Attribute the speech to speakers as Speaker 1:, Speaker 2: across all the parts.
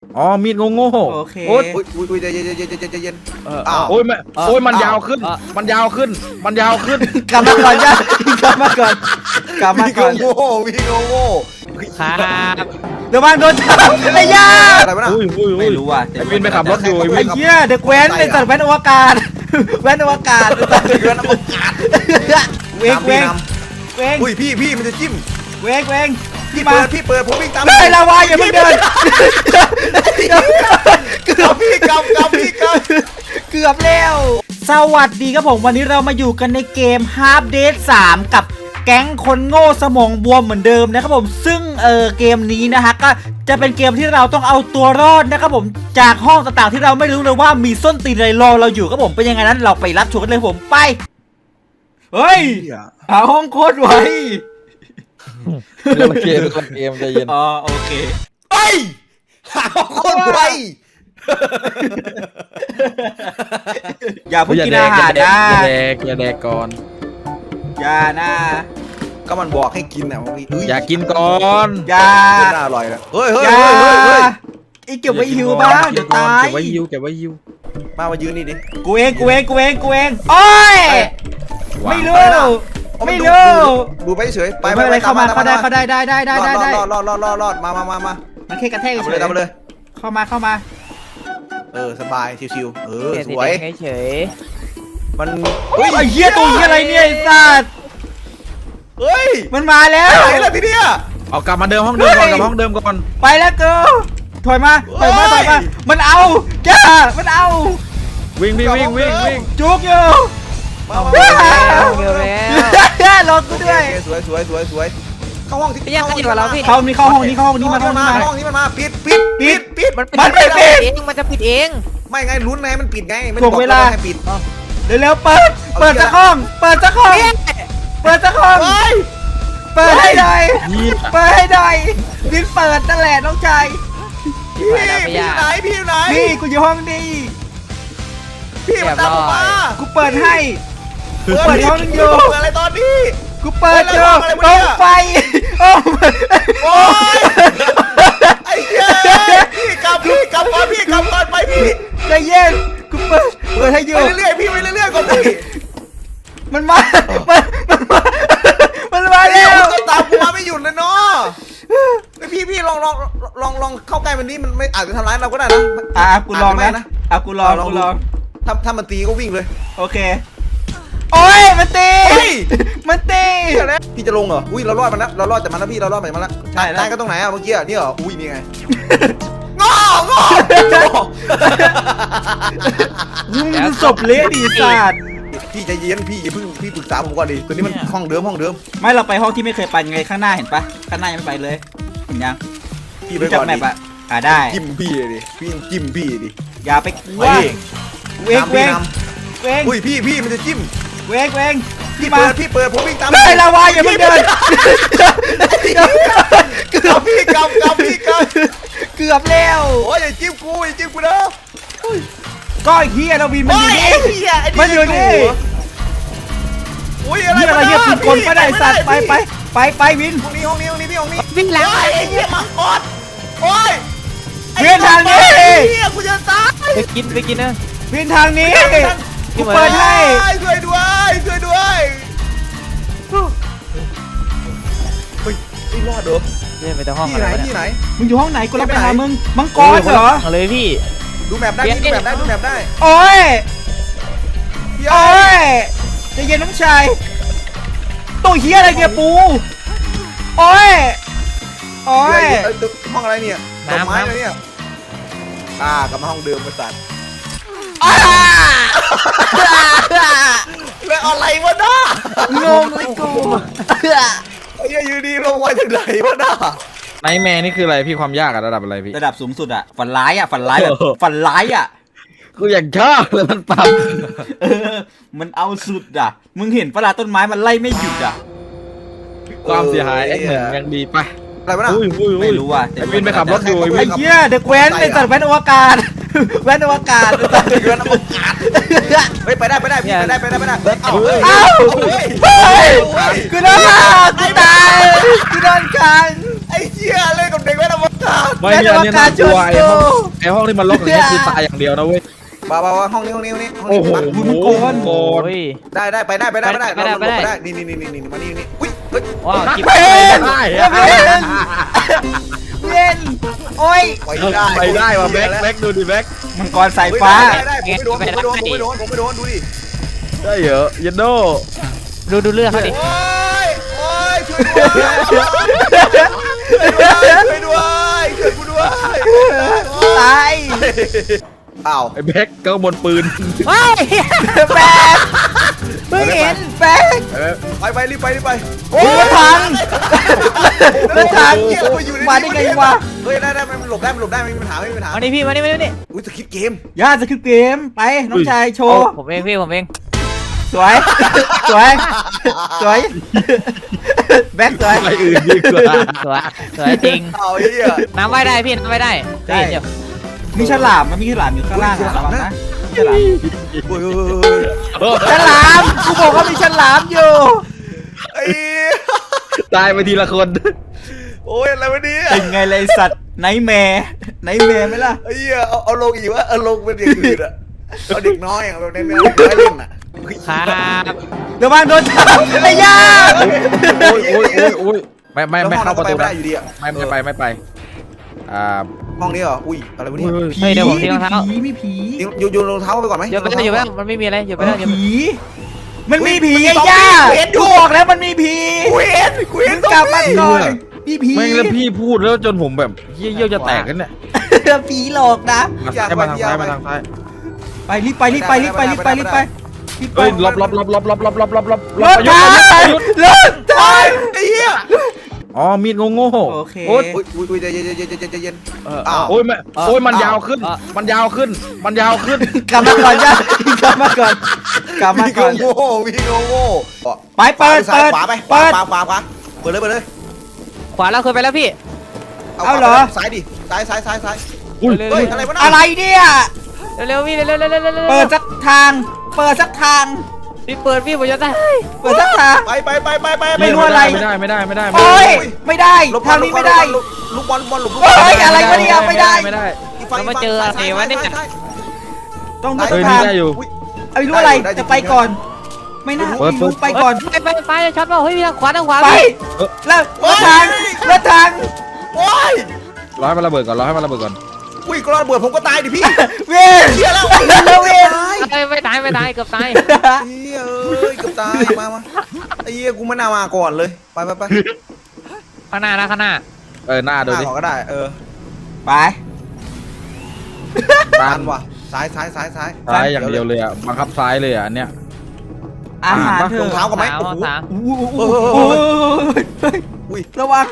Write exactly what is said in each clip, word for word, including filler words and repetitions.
Speaker 1: อ๋อมีดโง่ๆ
Speaker 2: โอเค
Speaker 1: โอ้ย
Speaker 3: อุ้ยอุ้ยใจเย็นใจเย็นใจเย็นใจเย็น
Speaker 1: เออ
Speaker 3: อ้าว
Speaker 1: โอ้ยมันโอ้ยมันยาวขึ้น มันยาวขึ้น มันยาวขึ้น
Speaker 2: กลับมาก่อนจ้ะกลับมาก่อนกลับมา
Speaker 3: พี่
Speaker 2: ก่อน
Speaker 3: โง่พี่โง่
Speaker 4: ครับ
Speaker 2: เดี๋ยวบางโดนจับไอ้ย่า
Speaker 3: อะไรวะน่ะ
Speaker 1: อุ้ยอุ้ยอุ้
Speaker 2: ไม่
Speaker 1: ย
Speaker 2: รู้อ่ะ
Speaker 1: ไอ้วินไปขับรถอยู่ไอ้วิ
Speaker 2: ไอ้
Speaker 1: น
Speaker 2: เหี้ยเด็กแว้นไอ้สัตว์แว้นอวกาศแว้นอวกาศ
Speaker 3: เดือนอวกาศ
Speaker 2: เวงเวงเวง
Speaker 3: อุ้ยพี่พี่มันจะจิ้ม
Speaker 2: เวงเวง
Speaker 3: พี่
Speaker 2: มา
Speaker 3: เปิดพี่เปิดผมวิ่งตาม
Speaker 2: เฮ้ยลาวาอย่าเพิ่งเดินเกื
Speaker 3: ก
Speaker 2: อบ
Speaker 3: พี่กำกำพี่ก
Speaker 2: เกือบแล้วสวัสดีครับผมวันนี้เรามาอยู่กันในเกม Half Dead สามกับแก๊งคนโง่สมองบวมเหมือนเดิมนะครับผมซึ่งเออเกมนี้นะฮะก็จะเป็นเกมที่เราต้องเอาตัวรอดนะครับผมจากห้องต่างๆที่เราไม่รู้เลยว่ามีส้นตีนอะไรรอเราอยู่ครับผมเป็นยังไงนั้นเราไปรับชมกันเลยผมไปเฮ้ยหาห้องโคตรไว
Speaker 1: เดี๋ยวเกมเกมใจเย็น
Speaker 2: อ๋อโอเค
Speaker 3: ำเฮ้ยหาคนไว
Speaker 2: อย่าเพิ่งกินอาหาร
Speaker 1: อย่า
Speaker 2: นะ
Speaker 1: แดกอย่าแดกก่อน
Speaker 2: อย่านะ
Speaker 3: ก็มันบอกให้กินอ่ะพี่
Speaker 1: อย่ากินก่อน
Speaker 2: อย่า
Speaker 3: น่าอร่อยนะเฮ้ยเฮ้ย
Speaker 2: อย่า
Speaker 3: เฮ้ยเฮ้ย
Speaker 2: ไอ้เก็บไว้หิวบ้างเดี๋ยวตาย
Speaker 1: เก็บไว้ยิวเก็บไว้ยิว
Speaker 3: มามายืนนี่ดิ
Speaker 2: กูเองกูเองกูเองกูเองโอ้ยไม่รู้ไม่รู้
Speaker 3: ดูไปเฉยไป
Speaker 2: ไม่เป็นไรเข้ามาเข้าได้เข้าได้ได้ได้ได้ได้ได้
Speaker 3: รอดรอดรอดรอดรอดมามามามา
Speaker 2: มันแค่กระแทก
Speaker 3: เอา
Speaker 2: เฉ
Speaker 3: ไปเลย
Speaker 2: ย
Speaker 3: เอาไปเลย
Speaker 2: เข้ามาเข้ามา
Speaker 3: เออสบายชิวๆเออ
Speaker 4: เปลี่ยน
Speaker 3: ส
Speaker 4: สี
Speaker 3: ว
Speaker 4: แด
Speaker 3: ย
Speaker 4: งเฉย
Speaker 3: มัน
Speaker 2: เฮ้ยไอ้เหี้ยตัวเหี้ยอะไรเนี่ยไอ้สัตว์
Speaker 3: เฮ้ย
Speaker 2: มันมาแล้ว
Speaker 3: ไหนล่ะทีเนี้ย
Speaker 1: เอากลับมาเดิมห้องเดิมก่อนกลับห้องเดิมก่อน
Speaker 2: ไปแล้วกูถอยมาถอยมาถอยมามันเอาจ้ามันเอา
Speaker 1: วิ่งวิ่งวิ่งวิ่งวิ่ง
Speaker 2: จุกอยู่
Speaker 3: มามา
Speaker 4: ๆเร็วแล้วเร็วแล้ว
Speaker 2: รอกูด้วย
Speaker 3: สวยสวยสวยสวยเข้าห้องที่
Speaker 4: พี่ยังอยู่กับเราพี่
Speaker 2: เข้านี่เข้าห้องนี้เข้าห้องนี้มาห้องนี้
Speaker 3: มา
Speaker 2: มา
Speaker 3: ห้องนี้มันมาปิดปิดปิดปิด
Speaker 4: มัน
Speaker 2: มันไม่ปิด
Speaker 4: เองมันจะปิดเอง
Speaker 3: ไม่ไงลุ้นไงมันปิดไงไม่
Speaker 2: ถ่วงเวลา
Speaker 3: ให้ปิด
Speaker 2: เร็วๆเปิดเปิดสักห้องเปิดสักห้องเปิดสักห้อง
Speaker 3: เฮ้ย
Speaker 2: เปิดให้หน่อย
Speaker 1: ยี่
Speaker 2: เปิดให้หน่อยวินเปิดนั่นแหละน้องชาย
Speaker 3: พี่พี่อยู่ไหนพี่อยู่ไหน
Speaker 2: นี่กูอยู่ห้องนี้
Speaker 3: พี่มาตามผมมา
Speaker 2: กูเปิดให้กูเปิดห้องนึงอยู่
Speaker 3: เปิดอะไรตอนนี้
Speaker 2: กูเปิดอยู่
Speaker 3: อะไร
Speaker 2: ต
Speaker 3: วะ
Speaker 2: ร
Speaker 3: เนี่ย
Speaker 2: งไฟโอ้
Speaker 3: โอ้ยไอ้เหี้ยพี่กลับพี่กลับก่อนพี่กลับก่อนไปพี่
Speaker 2: ใจเย็นกูเปิดเปิดให้อ
Speaker 3: ไป
Speaker 2: ยู่
Speaker 3: เรื่อยๆพี่ไปเรื่อยๆก่อนพี่
Speaker 2: มันมามันมันมามันมา
Speaker 3: ไอ้
Speaker 2: แล้
Speaker 3: เหี้ยว มันก็ตามกูมาไม่หยุดเลยเนาะไอพี่พี่ลองลองลองลองเข้าใกล้มันนี้มันไม่อาจจะทำร้ายเราก็ได้นะ
Speaker 2: อ่ะกูลองนะ
Speaker 3: นะ
Speaker 2: อ่ะกูลองกูลอง
Speaker 3: ถ้าถ้ามันตีก็วิ่งเลย
Speaker 2: โอเคโอ้ยมันตี
Speaker 3: เฮ้ย
Speaker 2: มันตี
Speaker 3: พี่จะลงเหรออุ้ยเรารอดมันแล้วเรารอดจากมันแล้วพี่เรารอดจากมันแล้ว
Speaker 2: ใช่แล้ว
Speaker 3: นายก็ตรงไหนอะเมื่อกี้อะนี่เหรออุ้ยนี่ไงงองอ
Speaker 2: มึงศพเละดีสัตว์
Speaker 3: พี่ใจเย็นพี่อย่าเพิ่งพี่ปรึกษาผมก่อนดิตัวนี้มันห้องเดิมห้องเดิม
Speaker 2: ไม่เราไปห้องที่ไม่เคยไปไงข้างหน้าเห็นปะข้างหน้ายังไม่ไปเลยเห็นยัง
Speaker 3: พี่ไป
Speaker 2: รู้จั
Speaker 3: ก่
Speaker 2: ก
Speaker 3: อน
Speaker 2: แม
Speaker 3: ดิ
Speaker 2: ปอะอ่าได้
Speaker 3: จิ้มพี่ดิพี่จิ้มพี่ดิ
Speaker 2: อย่าไปกลัว
Speaker 3: ไปดิ
Speaker 2: เวง
Speaker 3: ตาม
Speaker 2: เว
Speaker 3: พี่
Speaker 2: ง
Speaker 3: น
Speaker 2: เวง
Speaker 3: ำอุ้ยพี่พี่มันจะจิ้ม
Speaker 2: เวงเวง
Speaker 3: พี่
Speaker 2: มา
Speaker 3: เปิดพี่เปิดผมวิ่งตาม
Speaker 2: เฮ้ยลาวาอย่าเพิ่งเดิน
Speaker 3: เกือบพี่กำกำพี่ก
Speaker 2: เกือบแล้ว
Speaker 3: ำโอ้ยอย่าจิ้มกูอย่าจิ้มกูนะ
Speaker 2: ก็ไอ้เฮียเราวินมันอยู่นี่
Speaker 3: โอ้ยไอ้เหี้ยไอ้
Speaker 2: มันอยู่นี่
Speaker 3: อุ้ยอะไร
Speaker 2: เฮียอะไรเฮียผิดกฎไม่ได้สัตว์ไปไปไปไปวิน
Speaker 3: ห้องนี้ห้องนี้ห้องนี้พี่ห้องนี้
Speaker 4: วิ่งแล้ว
Speaker 3: โอ้ยไอ้เหี้ยมังกรโอ้ย
Speaker 2: เวียนทางนี้
Speaker 3: ไอ้เหี้ยกูจะตาย
Speaker 4: ไปกินไปกินนะ
Speaker 2: วินทางนี้กูเปิดให้
Speaker 3: ช่วยด้วยช่วยด้วยเฮ้ยไอ้รอดเหรอ
Speaker 4: เดินไปตรงห้อง
Speaker 3: ที่
Speaker 4: อะไร
Speaker 3: ไหน
Speaker 4: วะ
Speaker 3: ที่
Speaker 4: เนี่ย
Speaker 3: ไหน
Speaker 2: มึงอยู่ห้องไหนกูรับไป
Speaker 3: ไปไหน
Speaker 2: หามึงมังกรเหรอ
Speaker 4: เอาเลยพี่
Speaker 3: ดูแมปได้พี่ดูแมปได้ดูแมปได้
Speaker 2: โอ้ย
Speaker 3: พี่
Speaker 2: โอ้
Speaker 3: เอ้ย
Speaker 2: ยใจะเย็นน้องชายตัวเฮียอะไรเนี่ยปูโอ้ยโอ้ย
Speaker 3: เอ้ยห้องอะไรเนี่ยดอกไม้อะไรเนี่ยอ่ากลับมาห้องเดิมบริษัท
Speaker 2: อ้า
Speaker 3: แล้วอะไรวะน้าง
Speaker 2: งเลยกู
Speaker 3: ไอ้เหี้ยอยู่ดีลงมาจากไหนวะน้า
Speaker 1: ไนท์แมร์นี่คืออะไรพี่ความยากอะระดับอะไรพี่
Speaker 2: ระดับสูงสุดอะฝันร้ายอะฝันร้ายแบบ
Speaker 1: โอ้โห
Speaker 2: ฝันร้ายอะ
Speaker 1: กูอยากชอบเลยมันปรับ
Speaker 2: เออมันเอาสุดอะมึงเห็นปะล่ะต้นไม้มันไล่ไม่หยุดอะ
Speaker 1: ความเสียหายเอ็กหนึ่งยังดีไป
Speaker 3: อะไรวะน้า
Speaker 1: อุ้ยอุ้ยอุ้
Speaker 2: ไม่
Speaker 1: ย
Speaker 2: รู้อะแต่
Speaker 1: ไอ้วินไปขับรถอยู่ไอ้วิ
Speaker 2: ไอ้
Speaker 1: น
Speaker 2: เหี้ยเด็กแว้นไอ้สัตว์แว้นอวกาศแว้นอวกาศ
Speaker 3: เดือนอวกาศเฮ้ยไปได้ไปได้พี่ไปได้ไปได้ไปได้เอ้าเฮ้ย
Speaker 2: เอ้า
Speaker 3: เฮ้ย
Speaker 2: เฮ้ย
Speaker 3: เฮ้ย
Speaker 2: กูโดนกูตายกูโดนขัง
Speaker 3: ไอ้เหี้ยเล่นกับเด็กแว้นอวกสัตว์
Speaker 1: ไม่เนี่ยเนี่ยน่ากลัวไอ้ห้องไอ้ห้องที่มันล็อกอย่างเงี้ยคือตายอย่างเดียวนะเว้ย
Speaker 3: บ้าบ้าห้องนี้ห้องนี้ห้องนี้ห้อง
Speaker 1: โอ้
Speaker 3: นี้
Speaker 1: โห
Speaker 3: มา
Speaker 1: มังกร
Speaker 4: โอ้ย
Speaker 3: ได้ได้ไปได้ไปได้ไปได้
Speaker 4: ไปได้
Speaker 3: เรา
Speaker 4: ไปได้
Speaker 3: เราได้นี่นี่นี่นี่นี่มานี่นี่อุ้ยเฮ้ย
Speaker 4: ว้าวจิบ
Speaker 2: เว้น
Speaker 1: ได้
Speaker 2: เว้นเว้นโอ้ย
Speaker 3: ไปได้
Speaker 1: ไปได้ว่ะแบ็คแบ็คดูดิแบ็ค
Speaker 2: มังกรสายฟ้า
Speaker 3: ได้ได้ผมไม่โดนผมไม่โดนผมไม่โดนผมไม่โดนดูดิ
Speaker 1: ได้เหรอยันโด
Speaker 4: ดูดูเลือดเขาดิ
Speaker 3: โอ้ยโอ้ยช่วยด้วยช่วยด้วยช่วยกูด้วย
Speaker 2: ตาย
Speaker 3: อ้าว
Speaker 1: ไอ้แบ็คก็บนปืน
Speaker 4: ว้าย
Speaker 2: แบกเพิ่งเห็นแบก
Speaker 3: ไปไปรีบไปรีบไป
Speaker 2: โอ้ยรถถังรถถังมาได้ไงวะ
Speaker 3: เฮ้ยได้ได้มันหลบได้มันหลบได้ไม่มีปัญหาไม่มีปัญหา
Speaker 4: มานี่พี่มานี่มานี่
Speaker 3: อุ้ยสคริปต์เกม
Speaker 2: ย่าจะคือเกมไปน้องชายโชว์
Speaker 4: ผมเองพี่ผมเอง
Speaker 2: สวย สวย สวย แบ็คสวย
Speaker 1: ไปอื่นดีกว่า
Speaker 4: สวยสวยจริง
Speaker 3: เอาไอ้เหี้ย
Speaker 4: น้ำไว้ได้พี่น้ำไว้ได้
Speaker 2: ได้
Speaker 4: เดี๋ยว
Speaker 2: มีฉลามมันมีฉลามอยู่ข้างล่างอะระวังนะมีฉลาม
Speaker 3: โอ้ย
Speaker 2: ฉลามกูบอกว่ามีฉลามอยู่
Speaker 3: ไอ้
Speaker 1: ตายไปทีละคน
Speaker 3: โอ้ยอะไรวะเนี่ย
Speaker 2: เป็นไงเลยสัตว์ไนท์แมร์ไนท์แมร์ไหมล่ะ
Speaker 3: ไอ้เหี้ยเอาเอาลงอีกวะเอาลงเป็นอย่างอื่นอะเอาเด็กน้อยอะแบบในแนวเด็กน้อยเล่นอะ
Speaker 4: ครับ
Speaker 2: ระวังโดนจับไอ้ย่า
Speaker 1: โอ้ยโอ้ยโอ้ยโอ้ยไม่ไม่ไม่เข้าประตู
Speaker 3: ไม่
Speaker 1: นะ
Speaker 3: ได้อยู่ดีอะ
Speaker 1: ไม่ไม่ไปไม่ไปอ่า
Speaker 3: ห้องนี้เหรออุ้ยอะไรวะเนี่ย
Speaker 4: เฮ้ยเดี๋ยวผมทิ้งรองเท้า
Speaker 2: ผีมีผี
Speaker 3: โยนโยนรองเท้าไปก่อนไหม
Speaker 4: เดี๋ยวไปแล้วเดี๋ยวไปแล้วมันไม่มีอะไรเดี๋ยวไปแล้วเดี๋ยว
Speaker 2: ผี มันมีผีไอ้ย่ากูบอกแล้วมันมีผี
Speaker 3: กูเห็นกูเห็น
Speaker 2: กลับมาก่อนมีผี
Speaker 1: แม่งแล้วพี่พูดแล้วจนผมแบบเยี่ยวจะแตกกันเนี่ย
Speaker 2: ผีหลอกนะ
Speaker 1: มาซ้ายมาทางซ้ายมาทางซ้าย
Speaker 2: ไปรีบไปรีบไปรีบไปรีบไปรีบไปรีบไป
Speaker 1: เฮ้ยลบลบลบลบลบลบลบลบลบ
Speaker 2: รถถังรถถัง
Speaker 3: ไอ้เหี้ย
Speaker 1: อ๋อมีดโง่โง่
Speaker 2: โอเค
Speaker 1: โอ้ย
Speaker 3: อุ้ยอุ้ยอุ้ยใจเย็นใจเย็นใจเย็นใจเย็น
Speaker 4: เออ
Speaker 3: อ้าว
Speaker 1: โอ้ยแม่โอ้ยมันยาวขึ้น มันยาวขึ้น มันยาวขึ้น
Speaker 2: กลับมาก่อนย่ากลับมาก่อนกลับมา
Speaker 3: วิ่ง
Speaker 2: ก่อน
Speaker 3: โง่วิ่งโง่
Speaker 2: ไปเปิด
Speaker 3: ซ้าย
Speaker 2: เปิด
Speaker 3: ขวาไปข
Speaker 2: เปิ
Speaker 3: วา
Speaker 2: ด
Speaker 3: ขวาขวาขวาเปิดเลยเปิดเลย
Speaker 4: ขวาเราเคยไปแล้วพี่
Speaker 2: เอาเหรอ
Speaker 3: ซ้ายดิซ้ายซ้ายซ้ายซ้าย
Speaker 1: อุ้ย
Speaker 4: เร็ว
Speaker 3: เฮ้ยอะไรวะน่ะ
Speaker 2: อะไรเนี่ย
Speaker 4: เร็วๆพี่เร็วๆเร็วๆเร็วๆเร็วๆ
Speaker 2: เปิดสักทาง เปิดสักทาง
Speaker 4: พี่เปิดพี่ผมจะได้
Speaker 2: เปิดสักทาง
Speaker 3: ไปไปไปไปไป
Speaker 2: ไม่รู้อะไร
Speaker 1: ไม่ได้ไม่ได้ไม่ได้
Speaker 2: โอ้ยไม่ได้
Speaker 3: หลบ
Speaker 2: ทางนี้ไม่ได้
Speaker 3: ลูกบอลลูกบอลลูกบอล
Speaker 2: เฮ้ยอะไรวะเนี่ยไม่ได้
Speaker 1: ไม่ได้
Speaker 3: อีกฝั่งอีกฝั่งซ้ายซ้ายซ้าย
Speaker 2: ต้องดู
Speaker 1: เฮ้ย
Speaker 2: ทา
Speaker 1: นี่
Speaker 2: ง
Speaker 1: ได้อยู่
Speaker 3: อุ๊ย
Speaker 2: เอาไม่รู้อะไรจะไปก่อน ไม่น่า
Speaker 1: เปิดเปิด
Speaker 2: ไปก่อน
Speaker 4: ไปไปไปช็อตเปล่าเฮ้ยพี่ทางขวาทางขวา
Speaker 2: ไป
Speaker 4: พี่
Speaker 2: แล้วรถทางรถทาง
Speaker 3: โอ้ย
Speaker 1: รอให้มันระเบิดก่อนรอให้มันระเบิดก่อน
Speaker 3: อุ้ยกรอนเบิดผมก็ตายดิพี่
Speaker 2: เวยน
Speaker 3: เชี่ยแล้ว
Speaker 2: เวยน
Speaker 3: ตาย
Speaker 4: ไม่ไม่ตายไม่ตายเกือบตาย
Speaker 3: เฮ้ยเอ้ยเกือบตายมามาไอ้เหี้ยกูไม่น่ามาก่อนเลยไปไปไป
Speaker 4: ข้างหน้านะข้างหน้า
Speaker 1: เออหน้า
Speaker 3: ห
Speaker 1: ดู
Speaker 3: น้า
Speaker 1: ดิ
Speaker 3: ก่อนก็ได้เออ
Speaker 2: ไป
Speaker 1: ตา
Speaker 3: ตั
Speaker 1: ม
Speaker 3: นว่ะซ้ายซ้ายซ้ายซ้าย
Speaker 1: ซ้ายอย่างเดียวเลยอ่ะบังคับซ้ายเลยอ่ะอันเนี้ย
Speaker 2: อาหารเถ
Speaker 3: รอง
Speaker 2: อะ
Speaker 3: เท้ากันไหม
Speaker 4: สาม
Speaker 3: โอ้โห
Speaker 4: สาม
Speaker 2: อู้อู้อู้อู้
Speaker 3: อุ้ย
Speaker 2: ระวัง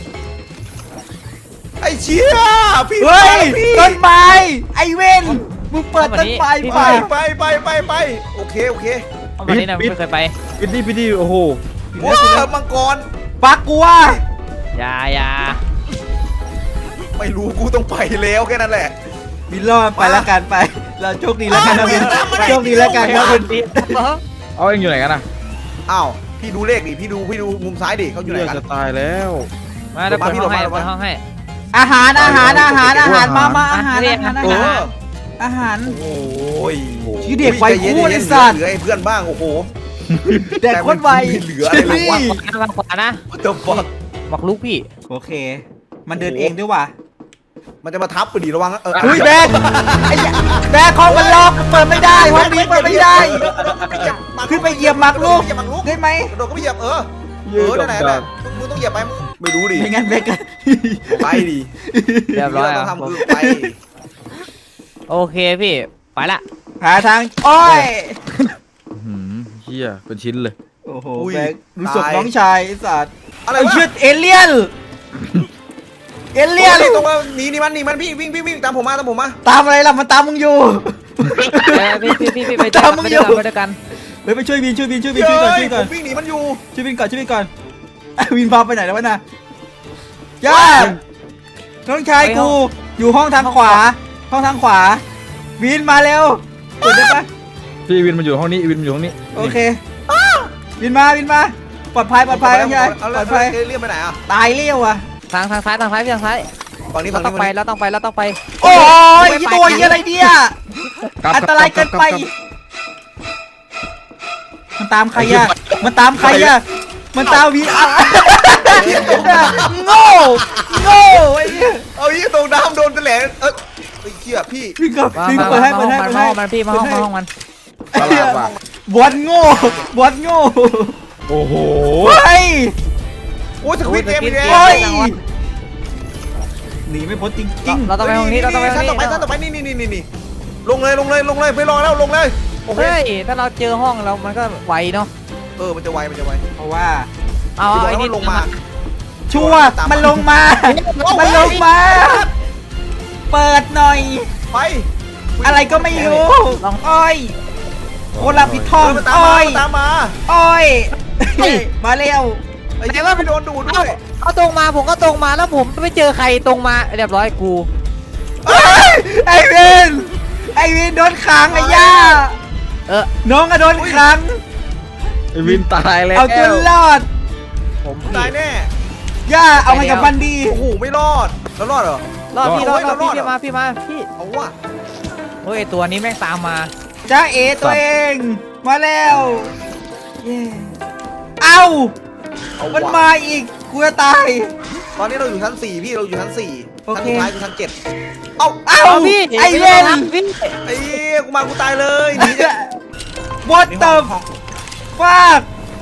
Speaker 3: ไอ้เชี่ยพี่
Speaker 2: เฮ้ย
Speaker 3: พี่
Speaker 2: ต้นไม้ไอเว่นมึงเปิดต้นไม้
Speaker 3: ไป
Speaker 2: ไป
Speaker 3: ไปไปไปไปโอเคโอเค
Speaker 4: เอามาที่ไหนไม่เคยไป
Speaker 1: พิดดี้พิดดี้โอ้โห
Speaker 3: ว้ามังกร
Speaker 2: ปักกูว่า
Speaker 4: อย่าอย่า
Speaker 3: ไม่รู้กูต้องไปแล้วแค่นั้นแหละ
Speaker 2: บินรอดไปแล้วกันไป เราโชคดีแล้วกันนะบินโชคดีแล้วกันครับคุณ
Speaker 1: เอาเองอยู่ไหนกันอ่ะ
Speaker 3: อ้าวพี่ดูเลขดิพี่ดูพี่ดูมุมซ้ายดิเขาอยู่ไหน
Speaker 1: เลือด
Speaker 3: กัน
Speaker 1: จะตายแล้ว
Speaker 4: มาเดี๋ยวเปิดห้องให้
Speaker 3: ลงมาลงมา
Speaker 4: เปิดห้องให้
Speaker 2: อาหารอาหารอาหารอาหารมามาอาหาร
Speaker 4: เรีย
Speaker 2: อาก หารอา
Speaker 3: เอ
Speaker 2: หาร
Speaker 3: อ
Speaker 2: อาหาร
Speaker 3: โอ้ย
Speaker 2: ชื่อเด็กไว
Speaker 3: ใจย็น
Speaker 2: คู่
Speaker 3: ใจ
Speaker 2: ไอ้
Speaker 3: น
Speaker 2: สัตว์
Speaker 3: เหลือให้เพื่อนบ้างโอ้โห
Speaker 2: แดกโคนไว
Speaker 3: ไม่เหลืออะไรเลยวะ
Speaker 4: ทางขวานะ
Speaker 3: What the fuck
Speaker 4: บอกลูกพี่
Speaker 2: โอเค มันเดินเองด้วยว่ะ
Speaker 3: มันจะมาทับไปดิระวังนะเออ
Speaker 2: เฮ้ยแบกไอ้แบกของมันล็อกเปิดไม่ได้ห้องนี้เปิดไม่ได้ ขึ้นไปเหยียบหมากลูก
Speaker 3: เหยียบหมากลูก
Speaker 2: ได้ไหม
Speaker 3: กระโดดก็ไม่เหยียบเออเออนั่นแหละนั่นแหละมึงต้องเหยียบไปไม่รู้ดิ
Speaker 2: ไม่งั้นแบกกัน
Speaker 3: ไปดิ
Speaker 4: เรียบร้อย
Speaker 3: ต้
Speaker 4: อ่ะ
Speaker 3: องทำ
Speaker 4: ผม
Speaker 3: คือไป
Speaker 4: โอเคพี่ไปละ
Speaker 2: หาทางอ้อย
Speaker 1: หืมเฮียเป็นชิ้นเลย
Speaker 2: โอ้โหแบกรู้สึกน้องชายไอ้สัตว์
Speaker 3: อะไร
Speaker 2: ไอ้
Speaker 3: วะ
Speaker 2: เชือดเอเลี่ยนเอเลี่ยน
Speaker 3: ตรงว่าหนีหนีมันหนีมันพี่วิ่งวิ่งวิ่งตามผมมาตามผมมา
Speaker 2: ตามอะไรล่ะมันตามมึงอยู่
Speaker 4: เออพี่พี่พี่พี่ไปด้วย
Speaker 2: ตาม
Speaker 4: กัน
Speaker 2: มึง
Speaker 4: ไป
Speaker 2: อยู่
Speaker 4: ด้วยกันไปด้วยกัน
Speaker 2: เฮ้ยไปช่วยวินช่วยวินช่วยวินช่วยก่อนช่วยก่อน
Speaker 3: ผมวิ่งหนีมันอยู่
Speaker 2: ช่วยวินก่อนช่วยวินก่อนอ่ะวินพาไปไหนแล้ววะน่ะย่าน้องชายกูอยู่ห้องทางขวา ห้องทางขวา วินมาเร็วเปิดได้ปะ
Speaker 1: พี่วินมันอยู่ห้องนี้วินมันอยู่ห้องนี้
Speaker 2: โอเควินมาวินมาปลอดภัยปลอดภัยน้องชาย
Speaker 3: เอา
Speaker 2: ปล
Speaker 3: แล้
Speaker 2: อ
Speaker 3: ว
Speaker 2: ดภัย
Speaker 3: เรียกไปไหนอ่ะ
Speaker 2: ตายเลี้ยวอ่ะ
Speaker 4: ทางทางซ้ายทางซ้ายพี่ทางซ้าย
Speaker 3: ฝั่งนี้
Speaker 4: เรา
Speaker 3: ฝั่ง
Speaker 4: ต้องไป
Speaker 3: นี้
Speaker 4: เราต้องไปเราต้องไป
Speaker 2: โอ้ย
Speaker 4: ไม่ไป
Speaker 2: ตัวเหี้ยอะไรเนี่ย
Speaker 1: กลับ
Speaker 2: อันตรายเกินไป มันตามใครอะมันตามใครอะมันตามวีอาร์โง่โง่ไอ้เนี่ย
Speaker 3: เอายี่ตรงน้ำโดนตะแหลงเออไอ้เหี้ยพี่
Speaker 2: พี่ก็
Speaker 4: มา
Speaker 2: พี่ก็
Speaker 4: มา
Speaker 2: เปิดให้
Speaker 4: มา
Speaker 2: เปิด
Speaker 4: ห้
Speaker 2: ให้
Speaker 4: องมัน
Speaker 2: เปิด
Speaker 4: มา
Speaker 2: ให้
Speaker 4: ห้องมันพี่มาห้องมาห้องมัน
Speaker 1: ตลาดว่ะ
Speaker 2: บอลโง่บอลโง่
Speaker 1: โอ้โห
Speaker 2: เฮ้ย
Speaker 3: โอ้ยสควิตเกมอีกแล้
Speaker 2: โอ้
Speaker 3: วย
Speaker 2: หนีไม่พ้นจริง
Speaker 4: เราต้องไปห้องนี้เราต้องไปห้
Speaker 3: ชั้
Speaker 4: อน ง
Speaker 3: ต่อไป
Speaker 4: นี้
Speaker 3: ชั้นต่อไปนี่นี่นี่นี่ลงเลยลงเลยลงเลยไม่รอแล้วลงเลยโอเค
Speaker 4: เฮ้ยถ้าเราเจอห้องเรามันก็ไวเนาะ
Speaker 3: เออมันจะไวมันจะไว
Speaker 2: ๆเพราะว่า
Speaker 4: เอา
Speaker 3: ที่บอก
Speaker 4: ไอ้
Speaker 3: แล้ว
Speaker 4: นี่
Speaker 3: มันลงมา
Speaker 2: ชัวร์มันลงมา มันลงมา เปิดหน่อย
Speaker 3: ไป
Speaker 2: อะไรก็ไม่รู้อ้อยโอลาพิท
Speaker 3: เอ
Speaker 2: อง
Speaker 3: อมันตาม
Speaker 2: อ้
Speaker 3: มา
Speaker 2: อย
Speaker 3: มันตามมา
Speaker 2: อ้อยมาเร็ว
Speaker 3: ไอ้เหี้ยไม่โดนดูดด้วย
Speaker 4: เอาตรงมาผมก็ตรงมาแล้วผมไม่เจอใครตรงมาเรียบร้อยกู
Speaker 2: เอ้ยไอวินไอวินโดนขังไอ้ย่า
Speaker 4: เออ
Speaker 2: น้องก็โดนขัง
Speaker 1: ไอ้วินตายแล้ว
Speaker 2: เอาจนรอด
Speaker 4: ผม
Speaker 3: ตายแน่
Speaker 2: ย่าเอาไงกับมันดี
Speaker 3: โอ้โหไม่รอดแล้วรอดเหรอ
Speaker 4: รอดพี่รอดรอดพี่
Speaker 3: รอดเหรอ
Speaker 4: พี่มาพี่มาพี่
Speaker 3: เอาว่ะ
Speaker 4: เฮ้ยไอ้ตัวนี้แม่งตามมา
Speaker 2: จ้าเอตัวเอง มาแล้วเย้เอา
Speaker 3: เอา
Speaker 2: มัน
Speaker 3: ว่ะ
Speaker 2: มาอีกกูจะตาย
Speaker 3: ตอนนี้เราอยู่ชั้นสี่พี่เราอยู่ชั้นสี่
Speaker 2: โอ
Speaker 3: ชั้น
Speaker 2: เค
Speaker 3: สุดท้ายคือชั้นเจ็ดเอ้า
Speaker 2: เอา
Speaker 4: เอาพี่
Speaker 2: ไอเวน
Speaker 4: พี่
Speaker 3: ไอ้เหี้ยกูมากูตายเลยหนีเนี่ย
Speaker 2: What
Speaker 3: นี่
Speaker 2: the
Speaker 3: ห้อง
Speaker 2: fuck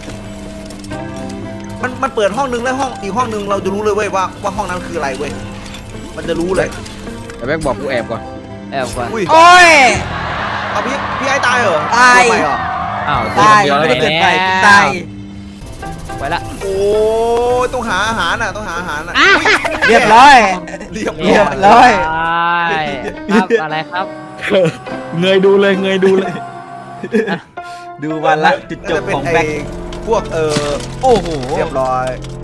Speaker 3: มันมันเปิดห้องนึงแล้วห้องอีกห้องนึงเราจะรู้เลยเว้ยว่าว่าห้องนั้นคืออะไรเว้ยมันจะรู้เลย
Speaker 1: ไอ้แบงค์บอกกูแอบก่อน
Speaker 4: แอบก่อน
Speaker 3: อุ้ย
Speaker 2: โอ้ย
Speaker 3: เอาพี่พี่ไอ้ตายเหรอ
Speaker 2: ตาย
Speaker 3: ลงไปเหรอ
Speaker 4: อ้าว
Speaker 2: ตาย
Speaker 1: เดียวแล้ว
Speaker 2: ไม่ได้เกิดไป
Speaker 4: แล้ว
Speaker 2: ตาย
Speaker 4: ไปละ
Speaker 3: โอ้ยต้องหาอาหารน่ะต้องหาอาหารน่ะ
Speaker 4: อ่ะ
Speaker 3: อุ๊ย
Speaker 2: เรียบร้อย
Speaker 3: เรียบ
Speaker 2: เรียบร้
Speaker 3: ร้
Speaker 2: อ
Speaker 3: อย
Speaker 4: ครับอะไรครับ
Speaker 1: เงยดูเลยเงยดูเลย
Speaker 2: ดูวันละจุดจบของแบ็ค
Speaker 3: น่าจะเป็นไพวกเออ
Speaker 2: โอ้โห
Speaker 3: เรียบร้อย